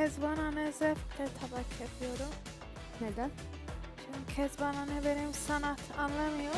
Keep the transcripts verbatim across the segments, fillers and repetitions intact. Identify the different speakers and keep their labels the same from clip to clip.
Speaker 1: Kezban anne zevkle tabak yapıyorum.
Speaker 2: Neden?
Speaker 1: Çünkü Kezban anne benim sanat anlamıyor.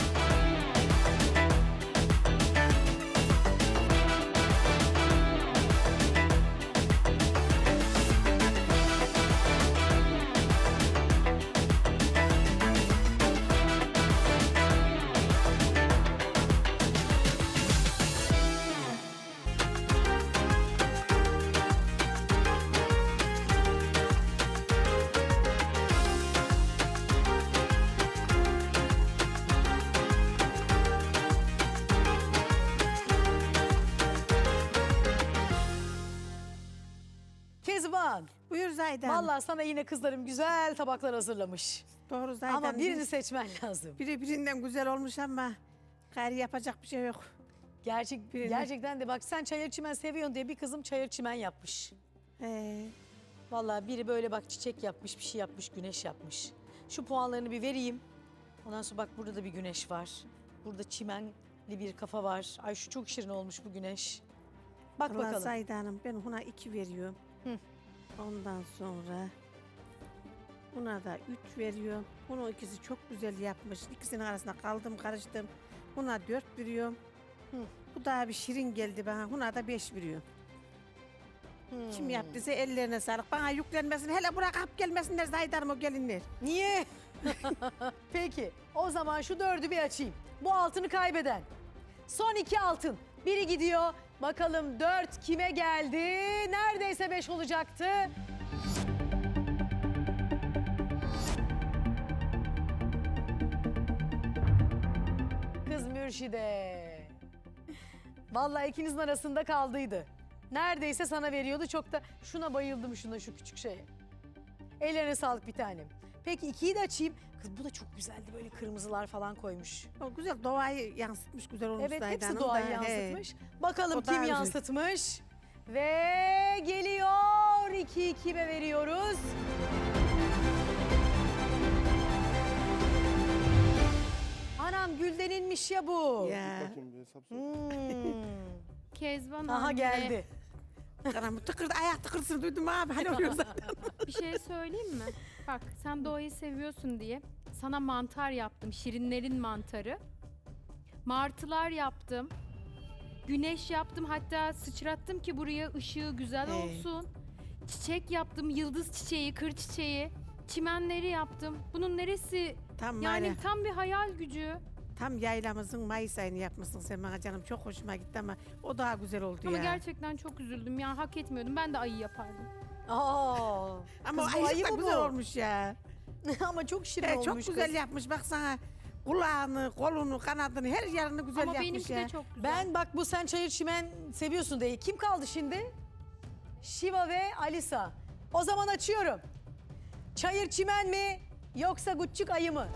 Speaker 3: Kezban,
Speaker 4: Buyur Zaydan.
Speaker 3: vallahi sana yine kızlarım güzel tabaklar hazırlamış.
Speaker 4: Doğru Zaydan.
Speaker 3: Ama birini
Speaker 4: Bir-
Speaker 3: seçmen lazım.
Speaker 4: biri birinden güzel olmuş ama gayri yapacak bir şey yok.
Speaker 3: Gerçek,
Speaker 4: Birini.
Speaker 3: gerçekten de bak sen çayır çimen seviyorsun diye bir kızım çayır çimen yapmış.
Speaker 4: Ee,
Speaker 3: Vallahi biri böyle bak çiçek yapmış, bir şey yapmış, güneş yapmış. Şu puanlarını bir vereyim. Ondan sonra bak burada da bir güneş var. Burada çimenli bir kafa var. Ay şu çok şirin olmuş bu güneş. Bak
Speaker 4: Allah
Speaker 3: bakalım.
Speaker 4: Zaydan'ım ben buna iki veriyorum.
Speaker 3: Hı.
Speaker 4: Ondan sonra buna da üç veriyorum. Bunun ikisi çok güzel yapmış. İkisinin arasında kaldım karıştım. Buna dört veriyorum.
Speaker 3: Hı.
Speaker 4: Bu daha bir şirin geldi bana. Buna da beş veriyorum.
Speaker 3: Hmm.
Speaker 4: Kim yaptıysa ellerine sağlık. Bana yüklenmesin. Hele buraya kap gelmesinler Zaydan'ım o gelinler.
Speaker 3: Niye? Peki o zaman şu dördü bir açayım. Bu altını kaybeden. Son iki altın. Biri gidiyor. Bakalım dört kime geldi? Neredeyse beş olacaktı. Kız Mürşide. Vallahi ikinizin arasında kaldıydı. Neredeyse sana veriyordu. Çok da şuna bayıldım, şuna şu küçük şeye. Ellerine sağlık bir tanem. Peki ikiyi de açayım. Kız bu da çok güzeldi. Böyle kırmızılar falan koymuş.
Speaker 4: O güzel doğayı yansıtmış güzel olmuş
Speaker 3: Evet
Speaker 4: Zaydan'ım
Speaker 3: hepsi
Speaker 4: da.
Speaker 3: doğayı
Speaker 4: He.
Speaker 3: yansıtmış. Bakalım
Speaker 4: O
Speaker 3: kim
Speaker 4: daha güzel.
Speaker 3: yansıtmış. Ve geliyor. iki ikime veriyoruz. Anam Gülden'inmiş ya bu.
Speaker 4: Ya.
Speaker 5: Bakayım bir hesap sor.
Speaker 3: Hmm.
Speaker 2: Kezban
Speaker 3: Aha
Speaker 2: anne,
Speaker 3: geldi.
Speaker 4: Karam tıkırdı ayak tıkırsın duydum abi. Hani oluyor zaten.
Speaker 2: bir şey söyleyeyim mi? Bak sen doğayı seviyorsun diye sana mantar yaptım. Şirinlerin mantarı. Martılar yaptım. Güneş yaptım. Hatta sıçrattım ki buraya ışığı güzel
Speaker 4: Hey.
Speaker 2: olsun. Çiçek yaptım. Yıldız çiçeği, kır çiçeği. Çimenleri yaptım. Bunun neresi?
Speaker 4: Tam
Speaker 2: Yani
Speaker 4: yani
Speaker 2: tam bir hayal gücü.
Speaker 4: tam yaylamızın Mayıs ayını yapmışsın sen bana canım. Çok hoşuma gitti ama o daha güzel oldu
Speaker 2: Ama
Speaker 4: ya.
Speaker 2: gerçekten çok üzüldüm. Ya hak etmiyordum. Ben de ayı yapardım.
Speaker 3: Aa.
Speaker 4: Ama
Speaker 3: Kız
Speaker 4: o
Speaker 3: bu
Speaker 4: ayıcık
Speaker 3: ayı
Speaker 4: da
Speaker 3: mı
Speaker 4: güzel
Speaker 3: bu?
Speaker 4: olmuş ya.
Speaker 3: Ama çok şirin
Speaker 4: He,
Speaker 3: olmuş
Speaker 4: çok güzel
Speaker 3: kız.
Speaker 4: yapmış baksana. Kulağını, kolunu, kanadını her yerini güzel
Speaker 2: Ama
Speaker 4: yapmış
Speaker 2: benimki
Speaker 4: ya.
Speaker 2: de çok güzel.
Speaker 3: Ben bak bu sen çayır çimen seviyorsun diye. Kim kaldı şimdi? Şiva ve Alisa. O zaman açıyorum. Çayır çimen mi yoksa Guççuk ayı mı?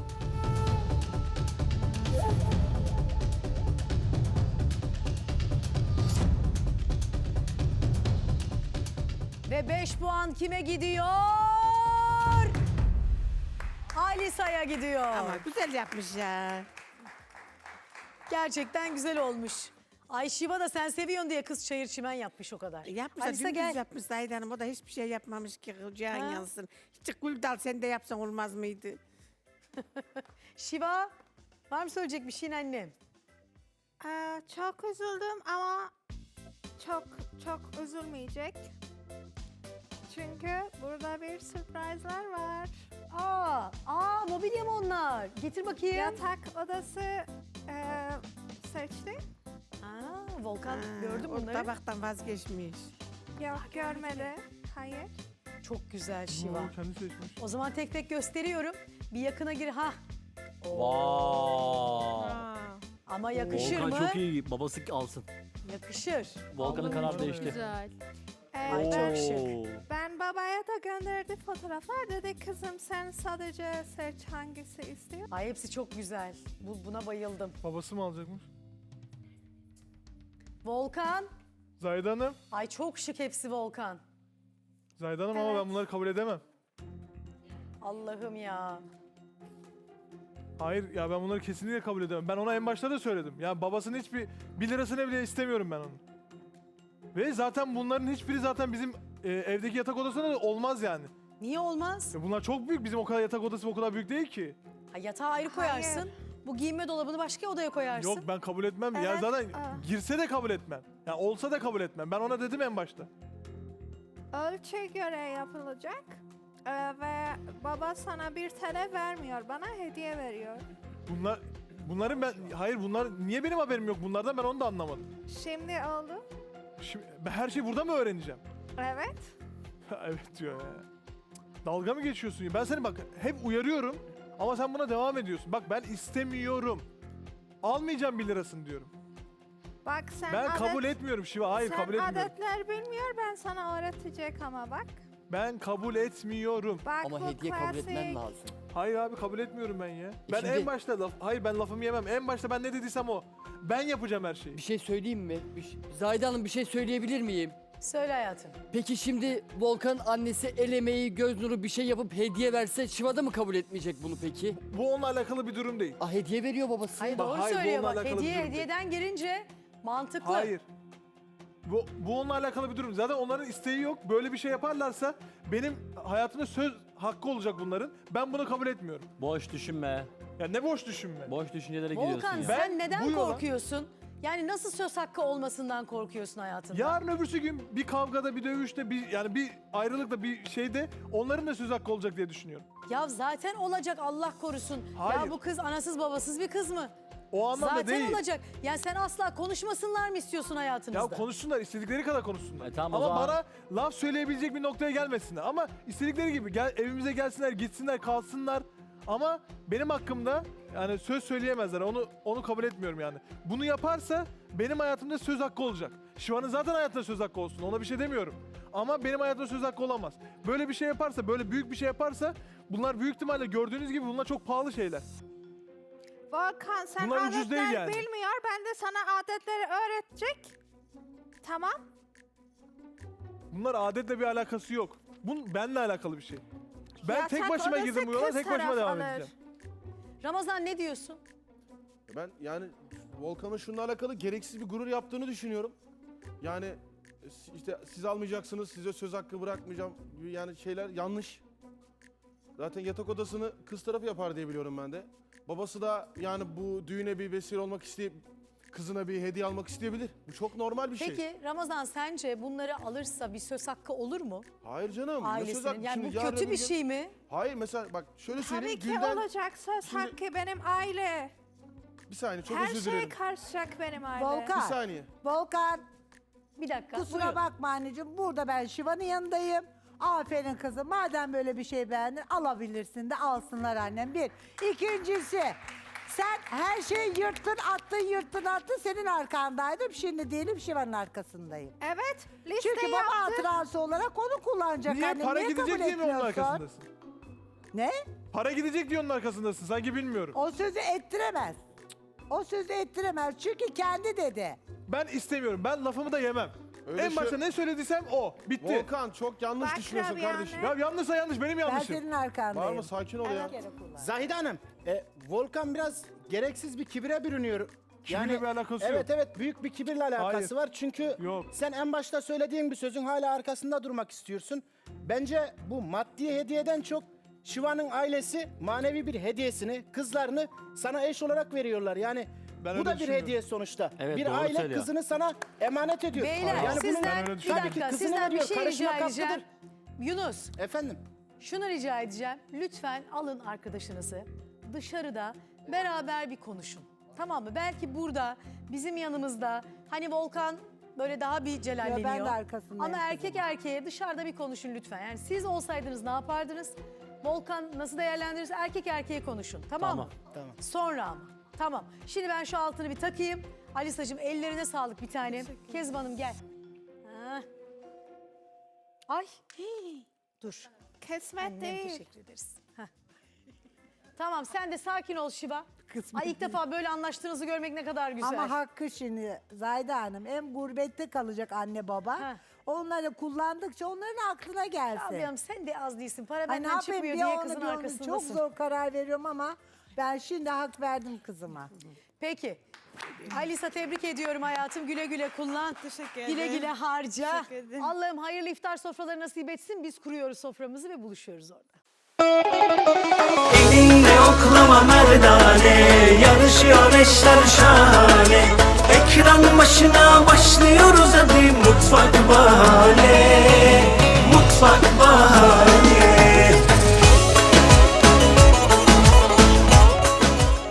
Speaker 3: Ve beş puan kime gidiyor? Alisa'ya gidiyor.
Speaker 4: Ama güzel yapmış ya.
Speaker 3: Gerçekten güzel olmuş. Ay Şiva da sen seviyorsun diye kız çayır çimen yapmış o kadar.
Speaker 4: Yapmış da
Speaker 3: Alisa
Speaker 4: dümdüz
Speaker 3: gel.
Speaker 4: yapmış Zahide Hanım. O da hiçbir şey yapmamış ki cihan
Speaker 3: Ha?
Speaker 4: yansın. Hiç gül dal sen de yapsan olmaz mıydı?
Speaker 3: Şiva var mı söyleyecek bir şeyin annem?
Speaker 1: Ee, çok üzüldüm ama çok çok üzülmeyecek. Çünkü burada bir sürprizler var.
Speaker 3: Aa, aa mobilya mı onlar? Getir bakayım.
Speaker 1: Yatak odası e, seçti.
Speaker 3: Aa, Volkan
Speaker 4: Ha,
Speaker 3: gördün mü
Speaker 4: o
Speaker 3: bunları?
Speaker 4: tabaktan vazgeçmiş.
Speaker 1: Yok görmedi. Hayır.
Speaker 3: Çok güzel Şiva.
Speaker 5: Oo, kendi seçmiş.
Speaker 3: O zaman tek tek gösteriyorum. Bir yakına gir. Ha.
Speaker 6: Vay.
Speaker 3: Ama yakışır
Speaker 6: Volkan
Speaker 3: mı?
Speaker 6: çok iyi. Babası alsın.
Speaker 3: Yakışır.
Speaker 6: Volkan'ın
Speaker 2: Allah'ım,
Speaker 6: karar
Speaker 2: çok
Speaker 6: değişti.
Speaker 2: Güzel.
Speaker 1: Ee,
Speaker 3: Ay, çok
Speaker 1: ben,
Speaker 3: şık.
Speaker 1: ben babaya da gönderdi fotoğraflar. Dedi kızım sen sadece seç hangisi istiyor.
Speaker 3: Ay hepsi çok güzel. Bu, buna bayıldım.
Speaker 5: Babası mı alacakmış?
Speaker 3: Volkan.
Speaker 5: Zahide Hanım.
Speaker 3: Ay çok şık hepsi Volkan.
Speaker 5: Zahide Hanım ama
Speaker 1: Evet.
Speaker 5: ben bunları kabul edemem.
Speaker 3: Allah'ım ya.
Speaker 5: Hayır ya ben bunları kesinlikle kabul edemem. Ben ona en başta da söyledim. Ya babasının hiçbir bir lirasını bile istemiyorum ben onun. Ve zaten bunların hiçbiri zaten bizim e, evdeki yatak odasında da olmaz yani.
Speaker 3: Niye olmaz?
Speaker 5: E, bunlar çok büyük. Bizim o kadar yatak odası o kadar büyük değil ki.
Speaker 3: Ha, yatağı ayrı koyarsın.
Speaker 1: Hayır.
Speaker 3: Bu giyinme dolabını başka odaya koyarsın.
Speaker 5: Yok ben kabul etmem. Ya
Speaker 1: Evet,
Speaker 5: zaten
Speaker 1: aa.
Speaker 5: girse de kabul etmem. Ya olsa da kabul etmem. Ben ona dedim en başta.
Speaker 1: Ölçüye göre yapılacak. Ee, ve baba sana bir T L vermiyor, bana hediye veriyor.
Speaker 5: Bunlar bunların ben hayır bunlar niye benim haberim yok bunlardan ben onu da anlamadım.
Speaker 1: Şimdi oldu.
Speaker 5: Şimdi ben her şeyi burada mı öğreneceğim?
Speaker 1: Evet.
Speaker 5: Evet diyor ya. Dalga mı geçiyorsun ya? Ben seni bak hep uyarıyorum ama sen buna devam ediyorsun. Bak ben istemiyorum. Almayacağım bir lirasını diyorum.
Speaker 1: Bak sen
Speaker 5: Ben
Speaker 1: adet,
Speaker 5: kabul etmiyorum Şiva. Hayır
Speaker 1: sen
Speaker 5: kabul etmiyorum.
Speaker 1: adetler bilmiyor, ben sana öğretecek ama bak.
Speaker 5: Ben kabul etmiyorum.
Speaker 1: Bak
Speaker 6: Ama
Speaker 1: bu
Speaker 6: hediye kabul etmen
Speaker 1: klasik.
Speaker 6: lazım.
Speaker 5: Hayır abi kabul etmiyorum ben ya. Ben
Speaker 6: şimdi-
Speaker 5: en başta laf hayır ben lafımı yemem. En başta ben ne dediysem o. Ben yapacağım her şeyi.
Speaker 6: Bir şey söyleyeyim mi? Bir şey- Zahide Hanım bir şey söyleyebilir miyim?
Speaker 3: Söyle hayatım.
Speaker 6: Peki şimdi Volkan annesi el emeği, göz nuru bir şey yapıp hediye verse Şiva da mı kabul etmeyecek bunu peki?
Speaker 5: Bu onunla alakalı bir durum değil.
Speaker 6: Ah hediye veriyor babası.
Speaker 3: Hayır
Speaker 5: Bak,
Speaker 3: doğru
Speaker 5: hayır, bu
Speaker 3: söylüyor
Speaker 5: onunla
Speaker 3: bak.
Speaker 5: alakalı bir
Speaker 3: Hediye
Speaker 5: durum değil.
Speaker 3: hediyeden girince mantıklı.
Speaker 5: Hayır. Bu, bu onunla alakalı bir durum. Zaten onların isteği yok. Böyle bir şey yaparlarsa benim hayatımda söz hakkı olacak bunların. Ben bunu kabul etmiyorum.
Speaker 7: Boş düşünme.
Speaker 5: Ya ne boş düşünme.
Speaker 7: Boş düşüncelere
Speaker 3: Volkan
Speaker 7: giriyorsun ya.
Speaker 5: Ben
Speaker 3: sen neden
Speaker 5: bu yola-
Speaker 3: korkuyorsun? Yani nasıl söz hakkı olmasından korkuyorsun hayatında?
Speaker 5: Yarın öbürsü gün bir kavgada, bir dövüşte, bir yani bir ayrılıkta, bir şeyde onların da söz hakkı olacak diye düşünüyorum.
Speaker 3: Ya zaten olacak Allah korusun.
Speaker 5: Hayır.
Speaker 3: Ya bu kız anasız babasız bir kız mı?
Speaker 5: O anlamda
Speaker 3: Zaten
Speaker 5: değil.
Speaker 3: olacak. Yani sen asla konuşmasınlar mı istiyorsun hayatınızda?
Speaker 5: Ya konuşsunlar, istedikleri kadar konuşsunlar.
Speaker 7: E tamam, o
Speaker 5: Ama
Speaker 7: zaman-
Speaker 5: bana laf söyleyebilecek bir noktaya gelmesinler. Ama istedikleri gibi gel, evimize gelsinler, gitsinler, kalsınlar. Ama benim hakkımda yani söz söyleyemezler. Onu onu kabul etmiyorum yani. Bunu yaparsa benim hayatımda söz hakkı olacak. Şiva'nın zaten hayatında söz hakkı olsun. Ona bir şey demiyorum. Ama benim hayatımda söz hakkı olamaz. Böyle bir şey yaparsa, böyle büyük bir şey yaparsa bunlar büyük ihtimalle gördüğünüz gibi bunlar çok pahalı şeyler.
Speaker 1: Volkan sen
Speaker 5: Bunlar ucuz
Speaker 1: adetler
Speaker 5: değil yani.
Speaker 1: bilmiyor, ben de sana adetleri öğretecek. Tamam.
Speaker 5: Bunlar adetle bir alakası yok. Bunun benimle alakalı bir şey. Ben
Speaker 1: Yatak
Speaker 5: tek başıma
Speaker 1: odası
Speaker 5: girdim bu yola,
Speaker 1: kız
Speaker 5: tek başıma
Speaker 1: taraf
Speaker 5: devam
Speaker 1: alır.
Speaker 5: edeceğim.
Speaker 3: Ramazan ne diyorsun?
Speaker 8: Ben yani Volkan'ın şununla alakalı gereksiz bir gurur yaptığını düşünüyorum. Yani e, işte siz almayacaksınız, size söz hakkı bırakmayacağım gibi yani şeyler yanlış. Zaten yatak odasını kız tarafı yapar diye biliyorum ben de. Babası da yani bu düğüne bir vesile olmak isteyip kızına bir hediye almak isteyebilir. Bu çok normal bir şey.
Speaker 3: Peki Ramazan sence bunları alırsa bir söz hakkı olur mu?
Speaker 8: Hayır canım. ne söz
Speaker 3: Ailesinin.
Speaker 8: hakkı?
Speaker 3: Yani
Speaker 8: Şimdi
Speaker 3: bu
Speaker 8: yarın
Speaker 3: kötü
Speaker 8: öbür
Speaker 3: bir
Speaker 8: gün-
Speaker 3: şey mi?
Speaker 8: Hayır mesela bak şöyle
Speaker 1: Tabii
Speaker 8: söyleyeyim.
Speaker 1: ki
Speaker 8: Gülden
Speaker 1: olacak söz
Speaker 8: Şimdi-
Speaker 1: hakkı benim aile.
Speaker 8: bir saniye çok
Speaker 1: Her
Speaker 8: özür
Speaker 1: şey
Speaker 8: dilerim.
Speaker 1: karışacak benim aile.
Speaker 9: Volkan.
Speaker 8: Bir saniye.
Speaker 9: Volkan,
Speaker 3: Bir dakika.
Speaker 9: kusura
Speaker 3: buyurun.
Speaker 9: bakma anneciğim. Burada ben Şiva'nın yanındayım. Aferin kızım. Madem böyle bir şey beğendin alabilirsin de alsınlar annem. Bir. İkincisi sen her şeyi yırttın attın yırttın attın senin arkandaydım. Şimdi değilim Şiva'nın arkasındayım.
Speaker 1: Evet, liste
Speaker 9: Çünkü baba
Speaker 1: yaptım.
Speaker 9: hatırası olarak onu kullanacak
Speaker 5: Niye
Speaker 9: annem.
Speaker 5: para
Speaker 9: Niye
Speaker 5: gidecek
Speaker 9: kabul
Speaker 5: diye mi onun
Speaker 9: etmiyorsun?
Speaker 5: arkasındasın?
Speaker 9: Ne?
Speaker 5: Para gidecek diye onun arkasındasın. Sanki bilmiyorum.
Speaker 9: O sözü ettiremez. O sözü ettiremez. Çünkü kendi dedi.
Speaker 5: Ben istemiyorum. Ben lafımı da yemem.
Speaker 8: Öyle
Speaker 5: en
Speaker 8: şey-
Speaker 5: başta ne söylediysem o. Bitti.
Speaker 8: Volkan çok yanlış
Speaker 1: Bak
Speaker 8: düşünüyorsun
Speaker 1: Rabia
Speaker 8: kardeşim.
Speaker 1: anne.
Speaker 5: Ya yanlışsa yanlış. Benim
Speaker 9: Ben
Speaker 5: yanlışım.
Speaker 9: senin arkandayım.
Speaker 8: Bağırma sakin ol ya.
Speaker 10: Zahide Hanım, e, Volkan biraz gereksiz bir kibire bürünüyor.
Speaker 5: Kibirle bir alakası
Speaker 10: evet,
Speaker 5: yok.
Speaker 10: Evet büyük bir kibirle alakası
Speaker 5: Hayır.
Speaker 10: var. Çünkü
Speaker 5: Yok.
Speaker 10: sen en başta söylediğin bir sözün hala arkasında durmak istiyorsun. Bence bu maddi hediyeden çok Şiva'nın ailesi manevi bir hediyesini, kızlarını sana eş olarak veriyorlar. Yani
Speaker 5: Ben
Speaker 10: bu
Speaker 5: öyle
Speaker 10: da bir
Speaker 5: düşünmüyorum.
Speaker 10: hediye sonuçta.
Speaker 7: Evet,
Speaker 10: bir
Speaker 7: doğru
Speaker 10: aile
Speaker 7: söylüyor.
Speaker 10: kızını sana emanet ediyor.
Speaker 3: Beyler
Speaker 10: Yani bunun-
Speaker 3: sizden
Speaker 5: Ben öyle
Speaker 3: bir
Speaker 5: düşünmüyorum.
Speaker 3: dakika
Speaker 10: Kızını
Speaker 3: sizden bir
Speaker 10: veriyor,
Speaker 3: şey
Speaker 10: karışmak
Speaker 3: rica edeceğim.
Speaker 10: haklıdır.
Speaker 3: Yunus
Speaker 10: Efendim?
Speaker 3: şunu rica edeceğim. Lütfen alın arkadaşınızı dışarıda beraber bir konuşun. Tamam mı? Belki burada bizim yanımızda hani Volkan böyle daha bir celalleniyor.
Speaker 9: Ya ben de arkasındayım
Speaker 3: Ama
Speaker 9: kızım.
Speaker 3: erkek erkeğe dışarıda bir konuşun lütfen. Yani siz olsaydınız ne yapardınız? Volkan nasıl değerlendirirse erkek erkeğe konuşun. Tamam,
Speaker 7: Tamam.
Speaker 3: mı?
Speaker 10: Tamam.
Speaker 3: Sonra ama. Tamam. Şimdi ben şu altını bir takayım. Alisacığım ellerine sağlık bir tanem. Kezban'ım gel. Ha. Ay. hii. Dur.
Speaker 1: Kesmet
Speaker 3: Annem
Speaker 1: değil.
Speaker 3: teşekkür ederiz. Heh. Tamam sen de sakin ol Şiva.
Speaker 9: Kısmet
Speaker 3: Ay ilk defa böyle anlaştığınızı görmek ne kadar güzel.
Speaker 9: Ama hakkı şimdi Zahide Hanım hem gurbette kalacak anne baba.
Speaker 3: Ha.
Speaker 9: Onları kullandıkça onların aklına gelsin.
Speaker 3: Abi hanım sen de az değilsin. Para
Speaker 9: Ay ne
Speaker 3: benden
Speaker 9: yapayım
Speaker 3: çıkmıyor
Speaker 9: bir
Speaker 3: diye
Speaker 9: onu
Speaker 3: kızın
Speaker 9: bir onu çok
Speaker 3: arkasındasın.
Speaker 9: zor karar veriyorum ama Ben şimdi hak verdim kızıma.
Speaker 3: Peki. Alisa tebrik ediyorum hayatım. Güle güle kullan.
Speaker 7: Teşekkür ederim.
Speaker 3: Güle güle harca.
Speaker 7: Teşekkür ederim.
Speaker 3: Allah'ım hayırlı iftar sofraları nasip etsin. Biz kuruyoruz soframızı ve buluşuyoruz orada.
Speaker 11: Elinle oklama merdane, yarışıyor eşler şahane. Ekran başına başlıyor